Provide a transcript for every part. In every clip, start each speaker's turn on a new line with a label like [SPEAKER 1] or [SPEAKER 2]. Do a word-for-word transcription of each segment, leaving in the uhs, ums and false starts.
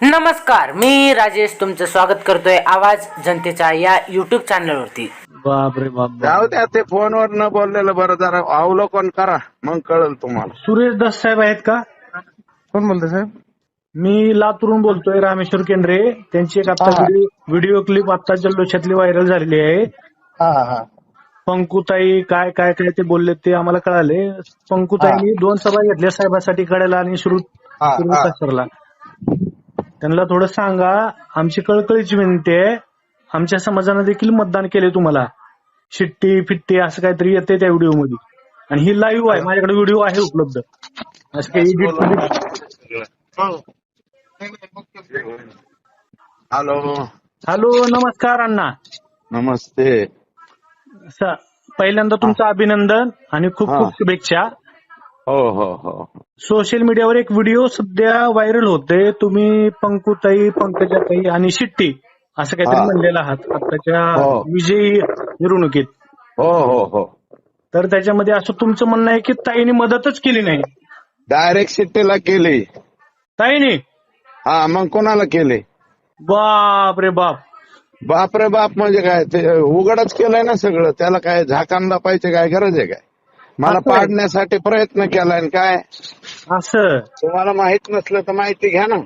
[SPEAKER 1] नमस्कार, मी राजेश तुमचं स्वागत करतोय आवाज जनतेच्या या युट्यूब चॅनलवरती.
[SPEAKER 2] बापरे बाप
[SPEAKER 3] जाऊ द्या, ते फोनवर न बोललेलं बरं. जरा अवलोकन करा, मग कळेल तुम्हाला.
[SPEAKER 2] सुरेश दास साहेब आहेत का?
[SPEAKER 4] कोण बोलतोय साहेब?
[SPEAKER 2] मी लातूरून बोलतोय, रामेश्वर केंद्रे. त्यांची एक आता
[SPEAKER 4] हा.
[SPEAKER 2] व्हिडिओ व्हिडिओ क्लिप आता जल्लोषातली व्हायरल झालेली आहे.
[SPEAKER 4] हा हा हा
[SPEAKER 2] पंकुताई काय काय काय ते बोलले ते आम्हाला कळाले. पंकुताईंनी दोन सभा घेतल्या साहेबासाठी कळायला आणि श्रुत
[SPEAKER 4] हा,
[SPEAKER 2] श्रुत
[SPEAKER 4] हा.
[SPEAKER 2] सरला. त्यांना थोडं सांगा, आमची कळकळीची विनंती आहे. आमच्या समाजानं देखील मतदान केले तुम्हाला. शिट्टी फिट्टी असं काहीतरी येते त्या व्हिडिओ मध्ये, आणि ही लाईव्ह आहे, माझ्याकडे व्हिडिओ आहे उपलब्ध. असं काही एडिट.
[SPEAKER 3] हॅलो,
[SPEAKER 2] हॅलो, नमस्कार अण्णा.
[SPEAKER 3] नमस्ते.
[SPEAKER 2] स- पहिल्यांदा तुमचं अभिनंदन आणि खूप
[SPEAKER 3] हा.
[SPEAKER 2] खूप शुभेच्छा.
[SPEAKER 3] हो हो हो
[SPEAKER 2] सोशल मीडियावर एक व्हिडिओ सध्या व्हायरल होते. तुम्ही पंकुताई, पंकजाताई आणि शिट्टी असं काहीतरी
[SPEAKER 3] हा.
[SPEAKER 2] म्हणलेलं आहात आताच्या
[SPEAKER 3] हो.
[SPEAKER 2] विजयी मिरवणुकीत.
[SPEAKER 3] हो हो हो
[SPEAKER 2] तर त्याच्यामध्ये असं तुमचं म्हणणं आहे की ताईने मदतच केली नाही.
[SPEAKER 3] डायरेक्ट शिट्टीला केली.
[SPEAKER 2] ताईने?
[SPEAKER 3] हा, मग कोणाला केली?
[SPEAKER 2] बाप रे बाप.
[SPEAKER 3] बापरे बाप म्हणजे काय, ते उघडच केलंय ना सगळं. त्याला काय झाकान दापायची काय गरज आहे काय? मला
[SPEAKER 2] असं आहे.
[SPEAKER 3] पाडण्यासाठी प्रयत्न केलाय आणि काय.
[SPEAKER 2] असं?
[SPEAKER 3] तुम्हाला माहित नसलं तर माहिती घ्या ना.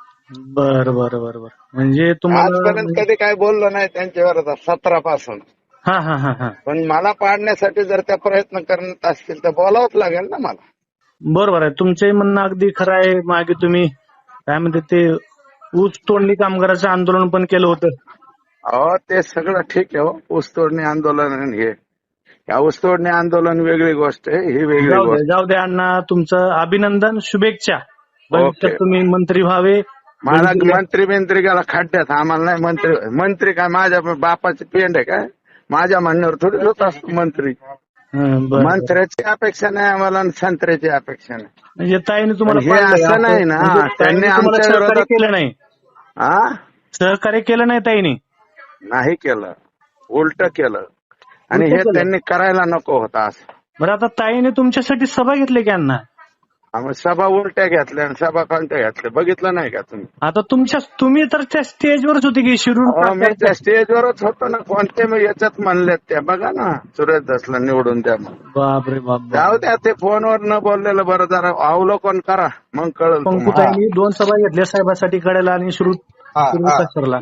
[SPEAKER 2] बर बर बर बर म्हणजे तुम्हाला
[SPEAKER 3] आजपर्यंत कधी काय बोललो नाही त्यांच्यावर, सतरा पासून.
[SPEAKER 2] हा हा हा हा
[SPEAKER 3] पण मला पाडण्यासाठी जर त्या प्रयत्न करत असतील तर बोलावंच लागेल ना मला.
[SPEAKER 2] बरोबर आहे. तुमचंही म्हणणं अगदी खरं आहे. मागे तुम्ही काय म्हणते ते ऊस तोडणी कामगाराचं आंदोलन पण केलं होतं.
[SPEAKER 3] अहो, ते सगळं ठीक आहे. हो, ऊसतोडणी आंदोलन आणि हे या ऊसतोडणी आंदोलन वेगळी गोष्ट आहे, ही वेगळी
[SPEAKER 2] जाऊ दे
[SPEAKER 3] गोष्ट.
[SPEAKER 2] जाऊ दे अण्णा, तुमचं अभिनंदन, शुभेच्छा. भविष्यात
[SPEAKER 3] ओके.
[SPEAKER 2] तुम्ही मंत्री व्हावे.
[SPEAKER 3] मला मंत्री बिंत्री गेला खड्ड्यात. आम्हाला नाही मंत्री. मंत्री काय माझ्या बापाची पेंड आहे काय? माझ्या म्हणण्यावर थोडी होत असतो मंत्री.
[SPEAKER 2] हं, बरं.
[SPEAKER 3] मंत्र्याची अपेक्षा नाही आम्हाला आणि संत्र्याची अपेक्षा नाही.
[SPEAKER 2] म्हणजे ताईने तुम्हाला
[SPEAKER 3] पण हे
[SPEAKER 2] पाडलंय
[SPEAKER 3] असं नाही ना.
[SPEAKER 2] म्हणजे ताईने
[SPEAKER 3] त्यांनी
[SPEAKER 2] तुम्हाला
[SPEAKER 3] आमच्या
[SPEAKER 2] सहकार्य
[SPEAKER 3] विरोधात-
[SPEAKER 2] केलं नाही.
[SPEAKER 3] हा,
[SPEAKER 2] सहकार्य केलं नाही ताईने.
[SPEAKER 3] नाही केलं, उलट केलं. आणि
[SPEAKER 2] उलटं
[SPEAKER 3] हे
[SPEAKER 2] केलं.
[SPEAKER 3] त्यांनी करायला नको होता असं.
[SPEAKER 2] बरं, आता ताईने तुमच्यासाठी सभा घेतली की अण्णा?
[SPEAKER 3] आम्ही सभा उलट्या घेतल्या आणि सभा कोणत्या घेतल्या बघितलं नाही का तुम्ही?
[SPEAKER 2] आता तुमच्या तुम्ही तर त्या स्टेजवरच होते की शिरूर
[SPEAKER 3] अहो, मी त्या स्टेजवरच होतो ना. कोणते मी याच्यात म्हणलेत त्या बघा ना. सुरेश दासला निवडून द्या मग.
[SPEAKER 2] बापरे बाप बाप.
[SPEAKER 3] जाऊ द्या, ते फोनवर न बोललेलं बरं. जरा अवलोकन करा, मग कळेल तुम्हाला.
[SPEAKER 2] पंकुताईंनी दोन सभा घेतल्या साहेबासाठी कळायला आणि श्रुत
[SPEAKER 4] हा, हा.
[SPEAKER 2] सरला.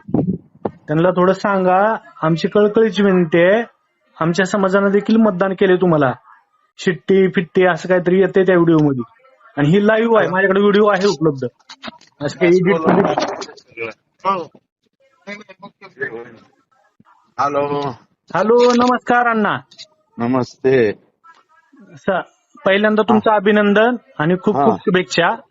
[SPEAKER 2] त्यांना थोडं सांगा, आमची कळकळीची विनंती आहे. आमच्या समाजानं देखील मतदान केले तुम्हाला. शिट्टी फिट्टी असं काहीतरी येते त्या व्हिडिओ मध्ये, आणि ही लाईव्ह आहे, माझ्याकडे व्हिडिओ आहे उपलब्ध. असं काही एडिट.
[SPEAKER 3] हॅलो,
[SPEAKER 2] हॅलो, नमस्कार अण्णा.
[SPEAKER 3] नमस्ते.
[SPEAKER 2] स- पहिल्यांदा तुमचं अभिनंदन आणि खूप
[SPEAKER 3] हा.
[SPEAKER 2] खूप शुभेच्छा.